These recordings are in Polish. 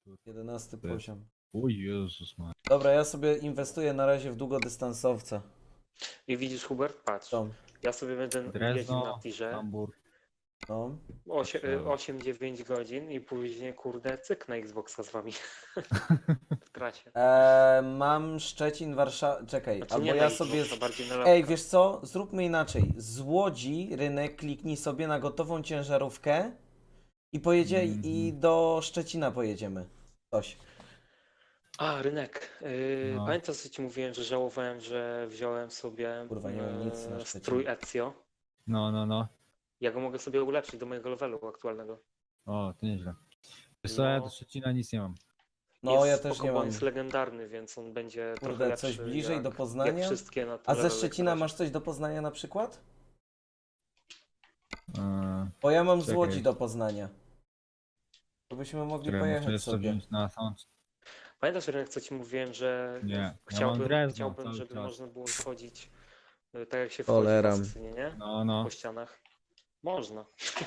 11 To jest- poziom. O Jezus ma. Dobra, ja sobie inwestuję na razie w długodystansowca. I widzisz, Hubert, patrz. Tom. Ja sobie będę jeździł na Drezno, tirze Hamburg. No. 8-9 godzin i później, kurde, cyk na Xboxa z wami. W trasie. Mam Szczecin, Warszawa. Czekaj, Znaczy albo nie na ja Xboxa, sobie. bardziej na Ej, lapka. wiesz co? Zróbmy inaczej. Z Łodzi rynek kliknij sobie na gotową ciężarówkę i pojedzie i do Szczecina pojedziemy. Coś. A, rynek. No. Pamiętasz, co ci mówiłem, że żałowałem, że wziąłem sobie Kurwa, nie mam nic na Szczecinie. strój Ezio. No. Ja go mogę sobie ulepszyć do mojego levelu aktualnego. O, to nieźle. Wiesz co, ja No. do Szczecina nic nie mam. No, Jest ja też spoko, nie bo mam. on jest legendarny, więc on będzie trochę Kurde, lepszy. coś bliżej jak, do Jak Poznania? wszystkie na A tym ze levelu, Szczecina jak masz coś do Poznania na przykład? Eee, Bo ja mam z Czekaj. Łodzi do Poznania. To byśmy mogli które muszę pojechać jeszcze sobie. wziąć na sound. Pamiętasz, Rynek, co ci mówiłem, że Nie, ja mam chciałbym, Drezno cały żeby czas. można było wchodzić tak jak się wchodzi w Choleram. Asesynie, nie? No. Po ścianach. Można.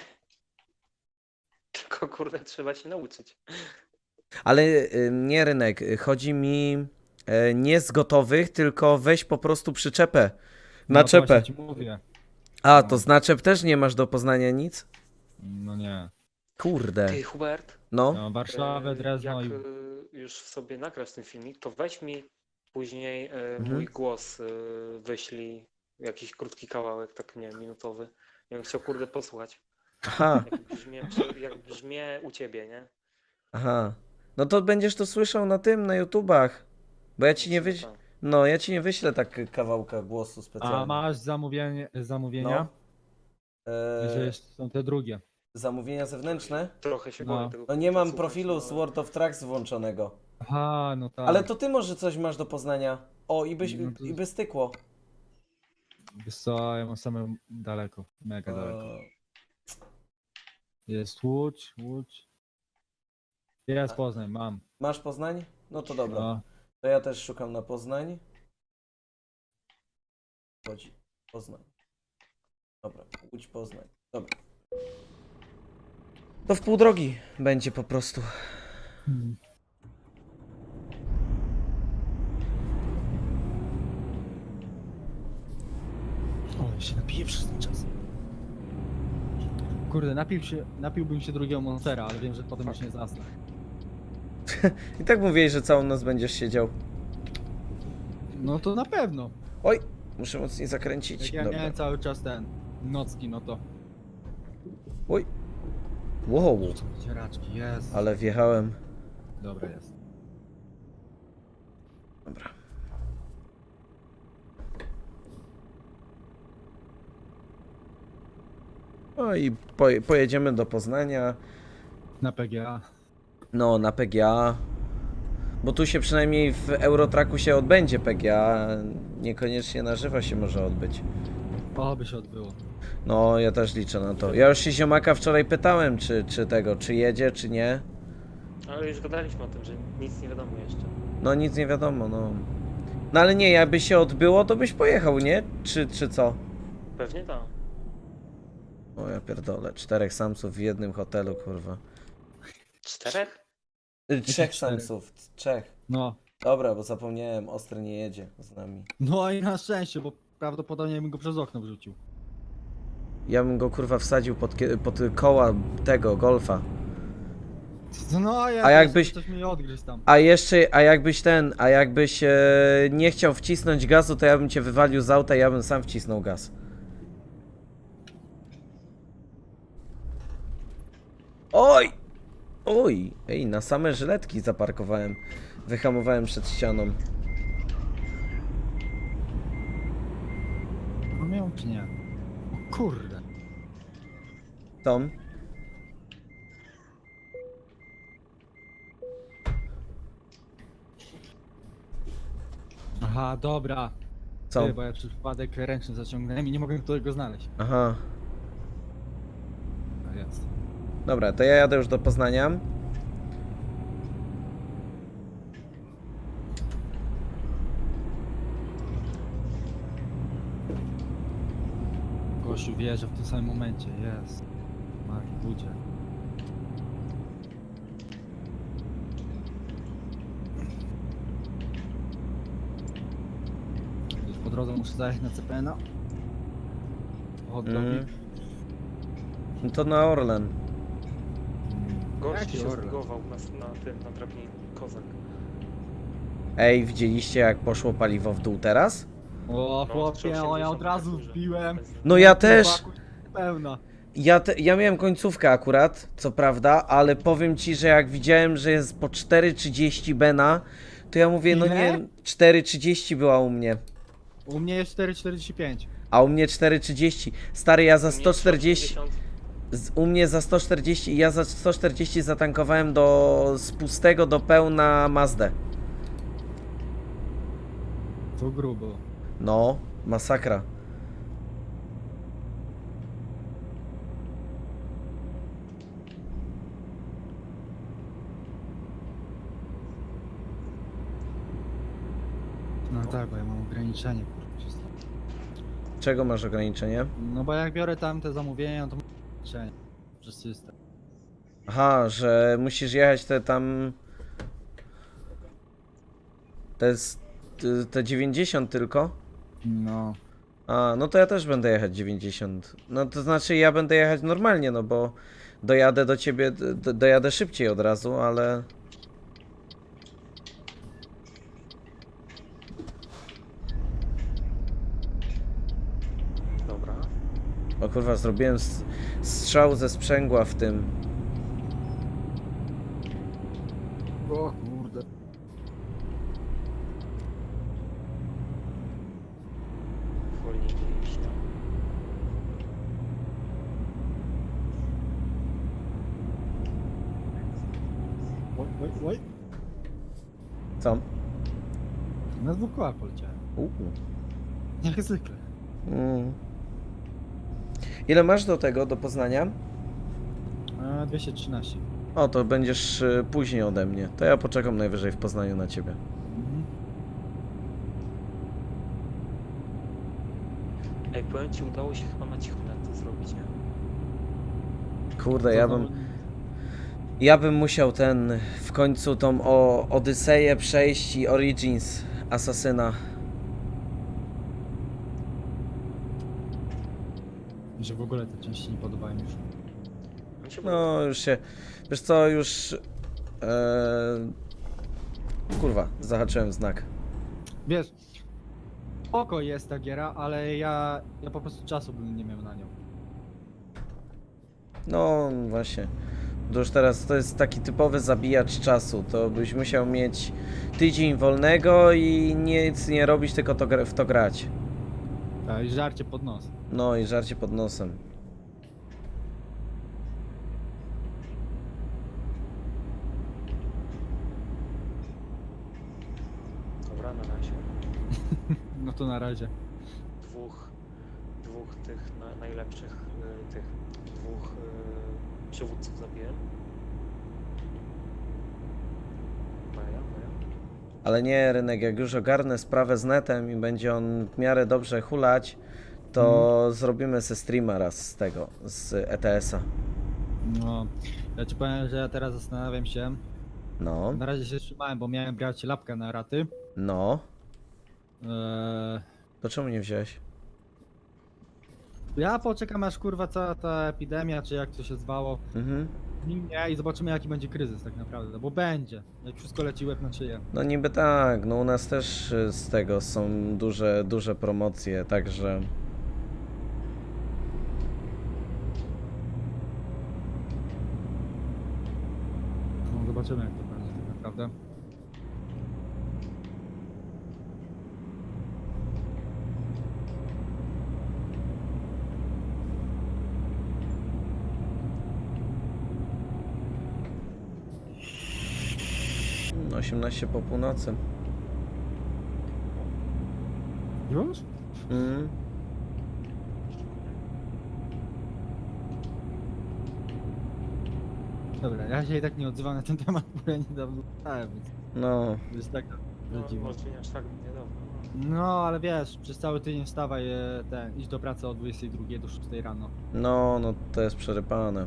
Tylko kurde, trzeba się nauczyć. Ale nie rynek, chodzi mi nie z gotowych, tylko weź po prostu przyczepę. No to Naczepę. właśnie ci mówię. A, to z naczep też nie masz do Poznania nic? No nie. Kurde. Ty, Hubert, No. No, Warszawę, Drezno jak i... już sobie nagrasz ten filmik, to weź mi później Mhm. mój głos wyślij, jakiś krótki kawałek, tak nie wiem, minutowy. Ja bym chciał kurde posłuchać, Aha, jak brzmię u ciebie, nie? aha. No to będziesz to słyszał na tym, na YouTubach. Bo ja ci nie Myślę, wyślę. że tak. No, ja ci nie wyślę tak kawałka głosu A specjalnie. masz zamówienia? No. Że jeszcze są te drugie. Zamówienia zewnętrzne? Trochę się No. boję tego. No nie mam słuchać, profilu no, z World of Tracks włączonego. Aha, no tak. Ale to ty może coś masz do Poznania. O, No to- i by stykło. Wiesz co, ja mam same daleko. Mega daleko. Jest Łódź. Jest Poznań, mam. Masz Poznań? No to dobra. No. To ja też szukam na Poznań. Chodzi. Poznań. Dobra, Łódź, Poznań. Dobra. To w pół drogi będzie po prostu. O, ja się napiję przez ten czas. Kurde, napiłbym się drugiego Monstera, ale wiem, że potem już nie zasnę. I tak mówiłeś, że całą noc będziesz siedział. No to na pewno. Oj, muszę mocniej zakręcić. Jak ja Dobra. miałem cały czas ten nocki, no to... Oj. Wow, Cieraczki, jest. ale wjechałem. Dobra jest. Dobra. No i pojedziemy do Poznania. Na PGA. No, na PGA. Bo tu się przynajmniej w Eurotracku się odbędzie PGA. Niekoniecznie na żywo się może odbyć. O, by się odbyło. No, ja też liczę na to. Ja już się ziomaka wczoraj pytałem, czy jedzie, czy nie. Ale już gadaliśmy o tym, że nic nie wiadomo jeszcze. No, nic nie wiadomo, no. No ale nie, jakby się odbyło, to byś pojechał, nie? Czy co? Pewnie tak. O ja pierdolę, 4 Samsów w jednym hotelu, kurwa. 4? 3 czterech? Samsów, 3. No. Dobra, bo zapomniałem, Ostry nie jedzie z nami. No i na szczęście, bo prawdopodobnie bym go przez okno wrzucił. Ja bym go kurwa wsadził pod koła tego golfa. No ja A jakbyś- Coś mi odgryzł tam. A jakbyś nie chciał wcisnąć gazu, to ja bym cię wywalił z auta i ja bym sam wcisnął gaz. Oj! Oj! Ej, na same żyletki zaparkowałem. Wyhamowałem przed ścianą. No miał czy nie? O kurde. Tom? Aha, dobra. Co? Ty, bo ja przez przypadek ręczny zaciągnąłem i nie mogłem tego znaleźć. Aha. A jest. Dobra, to ja jadę już do Poznania. Gościu wjeżdża w tym samym momencie, jest. Marki budzie. drodze muszę zajechać na CPN-a. Hot dogi. No to na Orlen. Gość Jaki się Orlen? zbugował na drabinie. Kozak. Ej, widzieliście jak poszło paliwo w dół teraz? O chłopie, o ja od 380 razu dużo. wbiłem. No ja też. Pełna. Ja miałem końcówkę akurat, co prawda, ale powiem ci, że jak widziałem, że jest po 4,30 Bena, to ja mówię, no Ile? nie, 4,30 była u mnie, U mnie jest 4,45. a u mnie 4,30. Stary, ja za U mnie 140, 180. u mnie za 140 i ja za 140 zatankowałem z pustego do pełna Mazdę. To grubo. No, masakra. No tak, bo ja mam ograniczenie, kurwa. Czego masz ograniczenie? No bo jak biorę tam te zamówienia, to mam ograniczenie przez system. Aha, że musisz jechać tam... Te 90 tylko? No. A, no to ja też będę jechać 90. No to znaczy ja będę jechać normalnie, no bo dojadę do ciebie, dojadę szybciej od razu, ale... Dobra. O kurwa, zrobiłem strzał ze sprzęgła w tym. O kurde. Wolniej nie iść, no. Oj, oj, oj. Co? Na 2 kołach poleciałem. Jak zwykle. Mm. Ile masz do tego, do Poznania? 213. O, to będziesz później ode mnie. To ja poczekam najwyżej w Poznaniu na ciebie. Mhm. Ej, powiem ci, udało się chyba na cichu to zrobić, nie? Kurde, ja bym musiał w końcu tą Odyseję przejść i Origins Asasyna. Że w ogóle te części nie podobają już. Mi się No, już się... Wiesz co, już... Kurwa, zahaczyłem znak. Wiesz, oko jest ta giera, ale ja po prostu czasu bym nie miał na nią. No, właśnie. To już teraz to jest taki typowy zabijacz czasu. To byś musiał mieć tydzień wolnego i nic nie robić, tylko w to grać. Tak, i żarcie pod nos. No i żarcie pod nosem. Dobra, na razie. No to na razie. Dwóch tych najlepszych, tych dwóch przywódców zabiłem. Maja. Ale nie, Rynek, jak już ogarnę sprawę z netem i będzie on w miarę dobrze hulać, to zrobimy se streama raz z tego, z ETS-a. No, ja ci powiem, że ja teraz zastanawiam się. No, Na razie się trzymałem, bo miałem brać lapkę na raty. no. Eee, To czemu nie wziąłeś? ja poczekam aż kurwa cała ta epidemia, czy jak to się zwało, Mhm. minie i zobaczymy jaki będzie kryzys tak naprawdę, bo będzie. Jak wszystko leci łeb na szyję. No niby tak, no u nas też z tego są duże promocje, także... No, zobaczymy jak to będzie tak naprawdę. No, 18 po północy. Już? Mm. Dobra, ja się i tak nie odzywam na ten temat, bo ja niedawno dostałem, więc No, to jest tak No, dziwne. może nie aż tak niedawno. No, ale wiesz, przez cały tydzień wstawaj, iść do pracy od 22 do 6 rano, no to jest przerypane.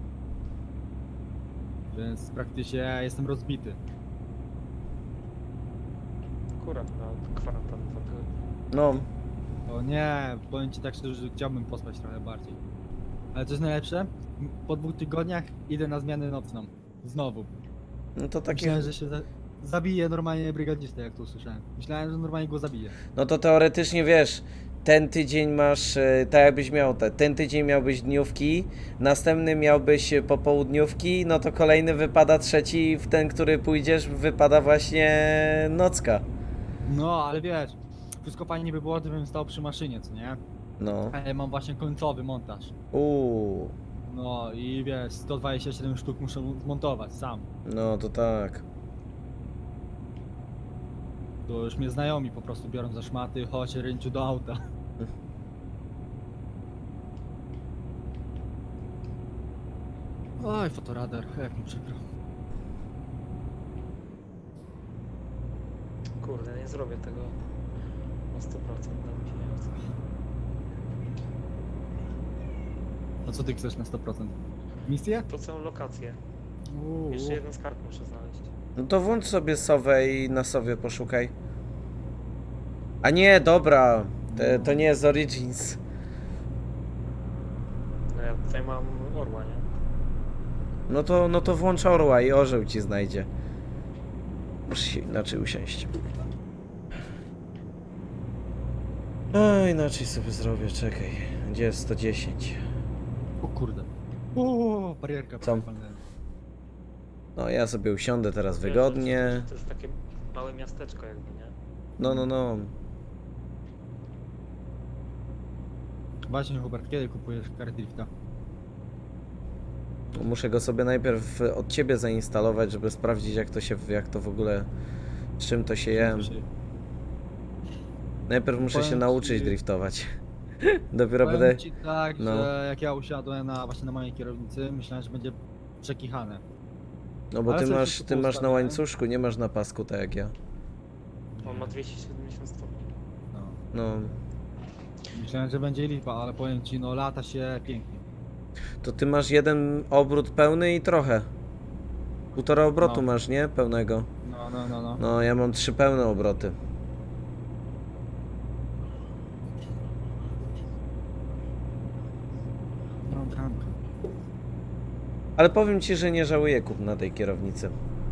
więc praktycznie ja jestem rozbity. Akurat na kwarantannę 2 tygodnie. No, O nie, powiem ci tak szczerze, że chciałbym pospać trochę bardziej. Ale co jest najlepsze? Po 2 tygodniach idę na zmianę nocną. Znowu. No to takie... Myślałem, że się zabije normalnie brygadzistę, jak to usłyszałem. Myślałem, że normalnie go zabije. No to teoretycznie wiesz, ten tydzień masz, tak jakbyś miał ten tydzień miałbyś dniówki, następny miałbyś popołudniówki, no to kolejny wypada trzeci, w ten, który pójdziesz, wypada właśnie nocka. No, ale wiesz, wszystko fajnie by było, gdybym stał przy maszynie, co nie? No. Ale mam właśnie końcowy montaż. No i wiesz, 127 sztuk muszę zmontować sam. No to tak. To już mnie znajomi po prostu biorą za szmaty, chodź Rynciu do auta. Oj, fotoradar, jak mi przykro. Kurde, nie zrobię tego na 100%, dam mi się nie chce. A co ty chcesz na 100%? Misję? To całą lokację. Jeszcze jeden skarb muszę znaleźć. No to włącz sobie Sowę i na Sowie poszukaj. A nie, dobra, to nie jest Origins. No ja tutaj mam orła, nie? No to włącz Orła i orzeł ci znajdzie. Muszę się inaczej usiąść. A inaczej sobie zrobię, czekaj. Gdzie jest 110? O kurde. Barierka. Co? palnęła. No ja sobie usiądę teraz Wiesz, wygodnie. że to jest takie małe miasteczko jakby, nie? No. Właśnie Hubert, kiedy kupujesz kartę drifta? Muszę go sobie najpierw od ciebie zainstalować, żeby sprawdzić jak to w ogóle, z czym to się je. Najpierw muszę się Powiem nauczyć ci- driftować. Dopiero Powiem będę... ci tak, no. że jak ja usiadłem właśnie na mojej kierownicy, myślałem, że będzie przekichane. No bo Ale ty sobie masz, wszystko ty masz na poustawiałem. łańcuszku, nie masz na pasku tak jak ja. On ma 270 stopni. No. No. Myślałem, że będzie lipa, ale powiem ci, no lata się pięknie. To ty masz jeden obrót pełny i trochę. Półtora obrotu No. masz, nie? Pełnego. No. No, ja mam 3 pełne obroty. No, bramka. Ale powiem ci, że nie żałuję kupna tej kierownicy.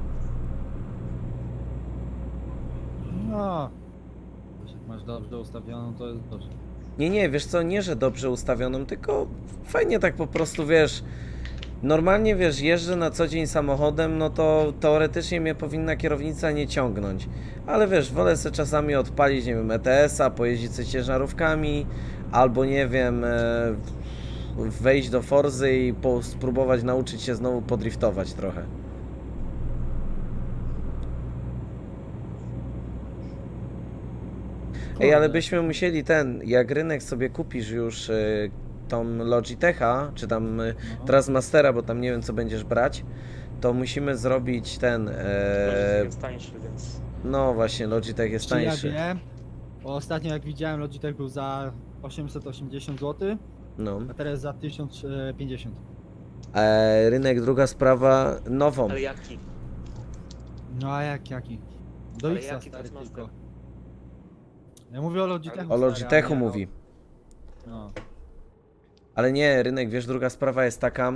No. Jak masz dobrze ustawioną, to jest dobrze. Nie, wiesz co, nie, że dobrze ustawioną, tylko fajnie tak po prostu, wiesz, normalnie, wiesz, jeżdżę na co dzień samochodem, no to teoretycznie mnie powinna kierownica nie ciągnąć, ale wiesz, wolę sobie czasami odpalić, nie wiem, ETS-a, pojeździć sobie ciężarówkami, albo nie wiem, wejść do Forzy i spróbować nauczyć się znowu podriftować trochę. Ej, ale Kurde. byśmy musieli jak rynek sobie kupisz już tą Logitecha, czy tam No. Trasmastera, bo tam nie wiem co będziesz brać, to musimy zrobić Logitech jest tańszy, więc... no właśnie, Logitech jest Czy ja tańszy. wiem, bo ostatnio jak widziałem, Logitech był za 880 zł, No. a teraz za 1050. Rynek, druga sprawa, nową. Ale jaki? No a jaki? Do Ale X jaki stary Trasmaster? tylko. Ja mówię o Logitechu. O stary, Logitechu a nie o- mówi. No. Ale nie, rynek, wiesz, druga sprawa jest taka.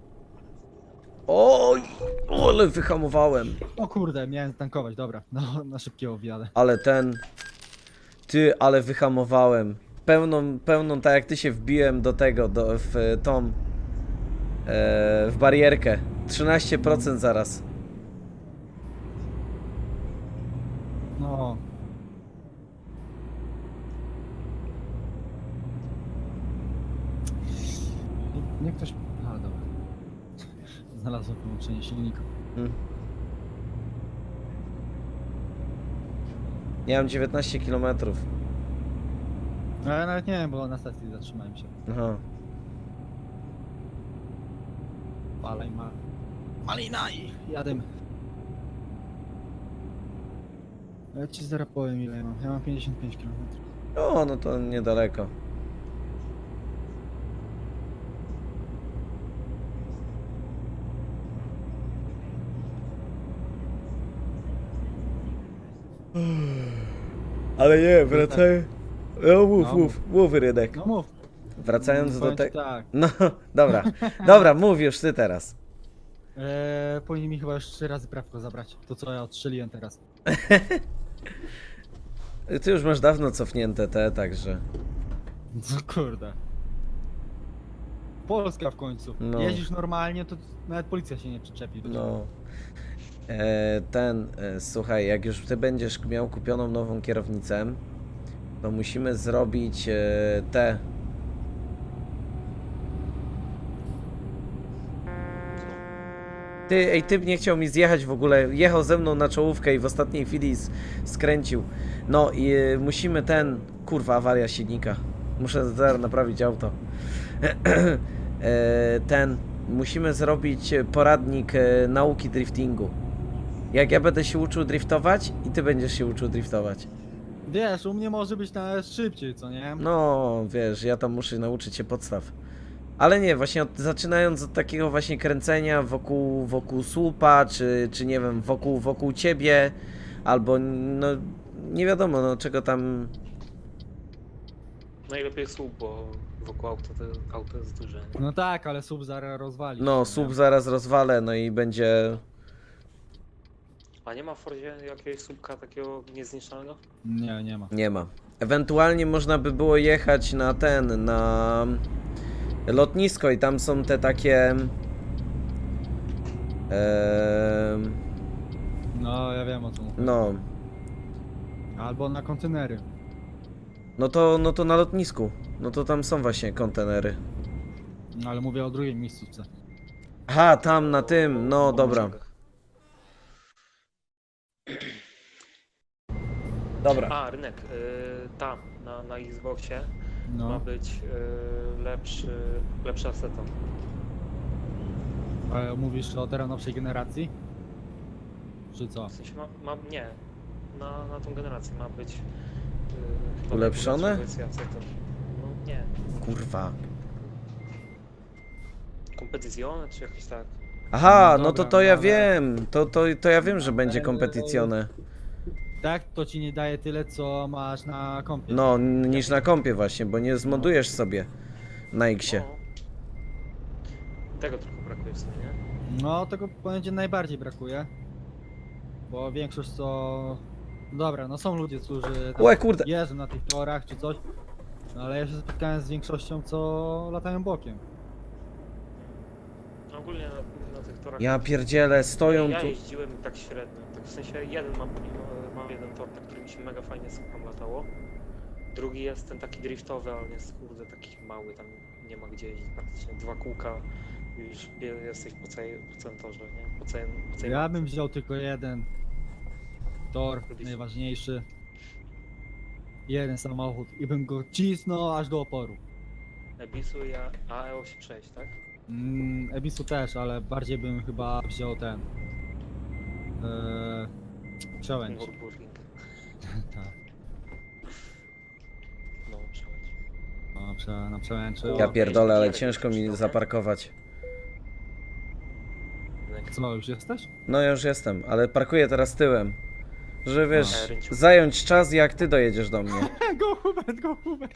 Oj, ale wyhamowałem. O kurde, miałem tankować, dobra. No, na szybkiego wjadę. Ale ale wyhamowałem. Pełną, tak jak ty się wbiłem do tego, w barierkę. 13% zaraz. No. Nie ktoś... A, dobra. Znalazłem połączenie silnika. Ja mam 19 km. No ja nawet nie wiem, bo na stacji zatrzymałem się. Aha. Palej ma... Malina i jadę. Ja ci zaraz powiem ile ja mam. Ja mam 55 km. O, no to niedaleko. Ale nie, Mów, Rydek. No mów. Wracając do Powiem ci tego... tak. No, dobra. Dobra, mów już ty teraz. Powinni mi chyba już 3 razy prawko zabrać. To co ja odstrzeliłem teraz. Ty już masz dawno cofnięte te, także... No kurde. Polska w końcu. No. Jeździsz normalnie, to nawet policja się nie przyczepi. No. Słuchaj, jak już ty będziesz miał kupioną nową kierownicę, to musimy zrobić te... Typ nie chciał mi zjechać w ogóle, jechał ze mną na czołówkę i w ostatniej chwili skręcił. No i musimy kurwa, awaria silnika. Muszę zaraz naprawić auto. Musimy zrobić poradnik nauki driftingu. Jak ja będę się uczył driftować i ty będziesz się uczył driftować. Wiesz, u mnie może być nawet szybciej, co nie? No, wiesz, ja tam muszę nauczyć się podstaw. Ale nie, właśnie zaczynając od takiego właśnie kręcenia wokół słupa, czy nie wiem, wokół ciebie, albo no nie wiadomo, no czego tam... Najlepiej słup, bo wokół auto jest duże. No tak, ale sub zaraz rozwali. No, się, słup nie? zaraz rozwalę, no i będzie... A nie ma w Fordzie jakiegoś słupka takiego niezniszczalnego? Nie, nie ma. Nie ma. Ewentualnie można by było jechać na lotnisko i tam są te takie... No, ja wiem o co mówię. no, Albo na kontenery. no to na lotnisku. No to tam są właśnie kontenery. No, ale mówię o drugiej miejscówce. Aha, tam na tym, no dobra. Dobra. A, rynek. Tam, na Xboxie ma No, być lepszy aseton. ale mówisz o teraz nowszej generacji? Czy co? W sensie nie. Na tą generację ma być chyba Ulepszone? najlepsza wersja aseton. No nie. Kurwa. Competizione czy jakoś tak. Aha, No no to dobra, to ja ale- wiem. To ja wiem, że będzie kompetycjone. Tak, to ci nie daje tyle, co masz na kompie. No, niż na kompie właśnie, bo nie zmodujesz sobie na Xie. No. Tego trochę brakuje w sumie, nie? No, tego będzie najbardziej brakuje. Bo większość co... Dobra, no są ludzie, którzy tam Łe, kurde. jeżdżą na tych torach czy coś. No, ale ja się spotkałem z większością, co latają bokiem. Ogólnie na tych torach... Ja pierdzielę, stoją Ja tu. jeździłem tak średnio. Tak w sensie mam jeden tor, na którym mi się mega fajnie słucham latało. Drugi jest ten taki driftowy, ale on jest kurde taki mały, tam nie ma gdzie jeździć praktycznie. 2 kółka i już jesteś po całym torze, nie? Po całej Ja bym wziął tylko jeden tor, Lubisz? najważniejszy. Jeden samochód i bym go cisnął aż do oporu. Ebisu i AE86, tak? Ebisu też, ale bardziej bym chyba wziął ten. Przełęcz. Nürburgring. Tak. No, przełęcz. No, na przełęczy. Ja O, pierdolę, ale Gierek ciężko mi przyszedł, nie? zaparkować. Co, już jesteś? No ja już jestem, ale parkuję teraz tyłem. Że wiesz, Rynciu. zająć czas jak ty dojedziesz do mnie. Go Hubert, go Hubert!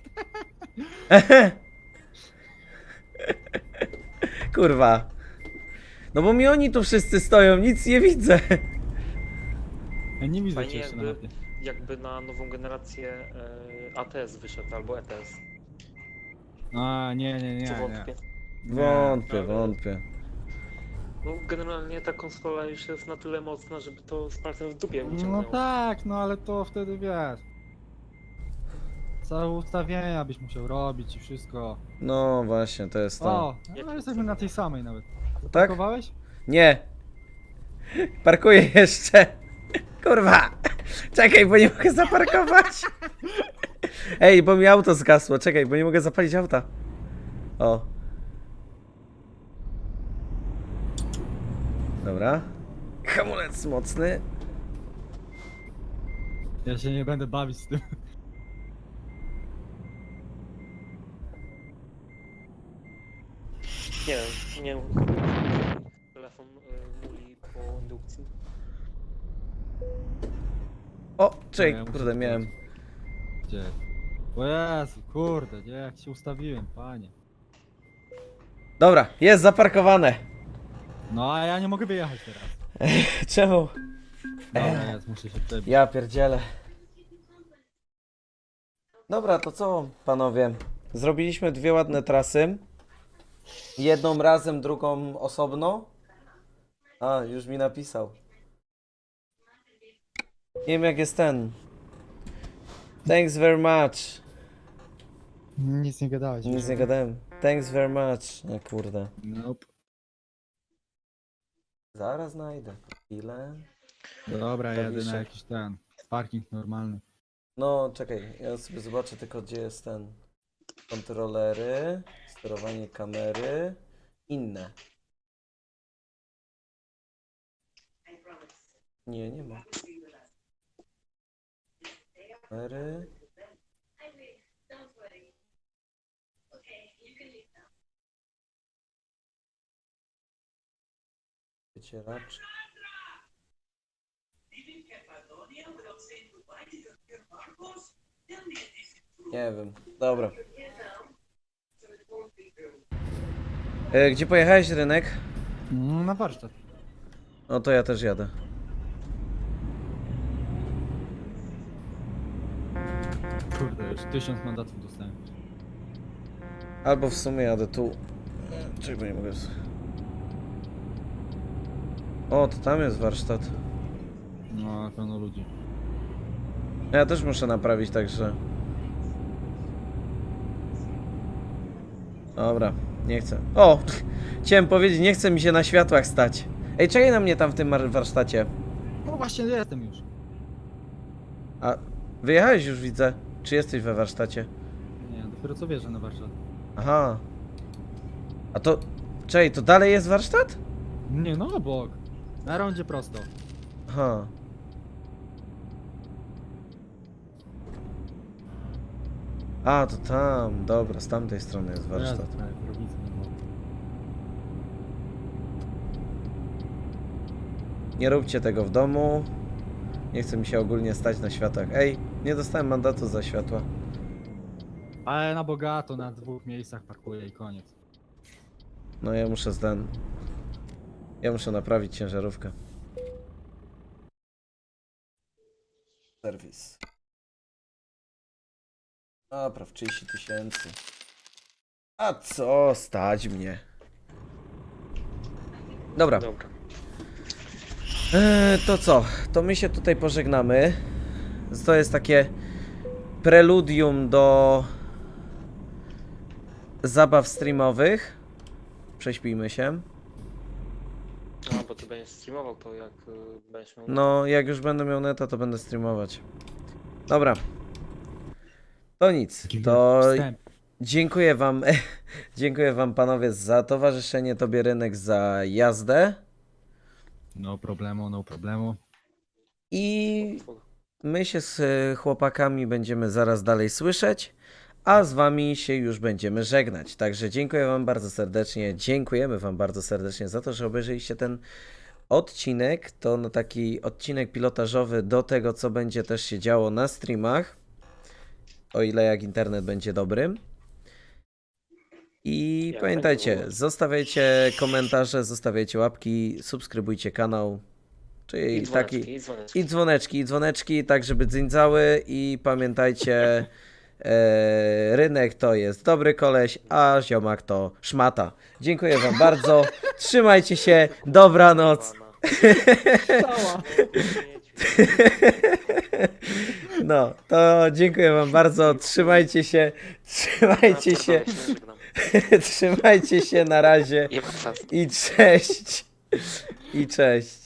Kurwa. No bo mi oni tu wszyscy stoją, nic nie widzę. Ja nie widzę Fajnie cię jeszcze na mapie. jakby na nową generację ATS wyszedł, albo ETS. A, nie, Czy nie. wątpię? Wątpię, ale- wątpię. No generalnie ta konsola już jest na tyle mocna, żeby to z palcem w dupie wyciągnęło. No tak, no ale to wtedy wiesz. Całe ustawienia byś musiał robić i wszystko. No właśnie, to jest to. O, no jesteśmy na tej samej nawet. Tak? Zaparkowałeś? Nie. Parkuję jeszcze. Kurwa. Czekaj, bo nie mogę zaparkować. Ej, bo mi auto zgasło. Czekaj, bo nie mogę zapalić auta. O. Dobra. Hamulec mocny. Ja się nie będę bawić z tym. Nie wiem, nie wiem. Telefon muli po indukcji. O, czekaj, Ja muszę kurde, miałem. Gdzie? O Jezu, kurde, nie, jak się ustawiłem, panie. Dobra, jest zaparkowane. No a ja nie mogę wyjechać teraz. Czemu? Dobra, jest, muszę się przebić. Ja pierdzielę. Dobra, to co, panowie? Zrobiliśmy dwie ładne trasy. Jedną razem, drugą osobno. A, już mi napisał. Nie wiem jak jest ten. Thanks very much. Nic nie gadałeś. Nic nie gadałem. Thanks very much. No kurde. Nope. Zaraz znajdę. Ile? Dobra, jadę Klawisze. na jakiś ten parking normalny. No, czekaj. Ja sobie zobaczę tylko gdzie jest ten. Kontrolery. Sterowanie kamery. Inne. Nie, nie ma. Kamery. Wycieraczki. Nie wiem. Dobra. Gdzie pojechałeś, Rynek? Na warsztat. No to ja też jadę. Kurde, już 1000 mandatów dostałem. Albo w sumie jadę tu. Czekaj, bo nie mogę. O, to tam jest warsztat. No, pełno ludzi. Ja też muszę naprawić, także. Dobra, nie chcę. O! Chciałem powiedzieć, nie chce mi się na światłach stać. Ej, czekaj na mnie tam w tym warsztacie. No właśnie, jestem już. A wyjechałeś już, widzę. Czy jesteś we warsztacie? Nie, dopiero co wierzę na warsztat. Aha. A to. Czekaj, to dalej jest warsztat? Nie, no obok. Na rondzie prosto. Aha. A, to tam. Dobra, z tamtej strony jest warsztat. Jezu, prawie kierownicę nie było. Nie róbcie tego w domu. Nie chce mi się ogólnie stać na światłach. Ej, nie dostałem mandatu za światła. Ale na bogato, na 2 miejscach parkuję i koniec. No ja muszę Ja muszę naprawić ciężarówkę. Serwis. Napraw 30 000. A co? Stać mnie. Dobra. Dobra. To co? To my się tutaj pożegnamy. To jest takie preludium do zabaw streamowych. Prześpijmy się. No, bo ty będziesz streamował to jak będziesz miał... No, jak już będę miał neta, to będę streamować. Dobra. To nic. To Wstęp. dziękuję wam. Dziękuję wam panowie za towarzyszenie, tobie Rynek za jazdę. No problemu, no problemu. I my się z chłopakami będziemy zaraz dalej słyszeć, a z wami się już będziemy żegnać. Także dziękuję wam bardzo serdecznie, dziękujemy wam bardzo serdecznie za to, że obejrzeliście ten odcinek. To no taki odcinek pilotażowy do tego, co będzie też się działo na streamach, o ile jak internet będzie dobry. I Jak pamiętajcie, będzie zostawiajcie komentarze, zostawiajcie łapki, subskrybujcie kanał. Czyli I taki... dzwoneczki, i dzwoneczki. I dzwoneczki, tak żeby dzyncały i pamiętajcie, Rynek to jest dobry koleś, a ziomak to szmata. Dziękuję wam bardzo, trzymajcie się, dobranoc. Cała. No, to dziękuję wam bardzo, trzymajcie się, trzymajcie się, na razie I ma czas. i cześć, i cześć.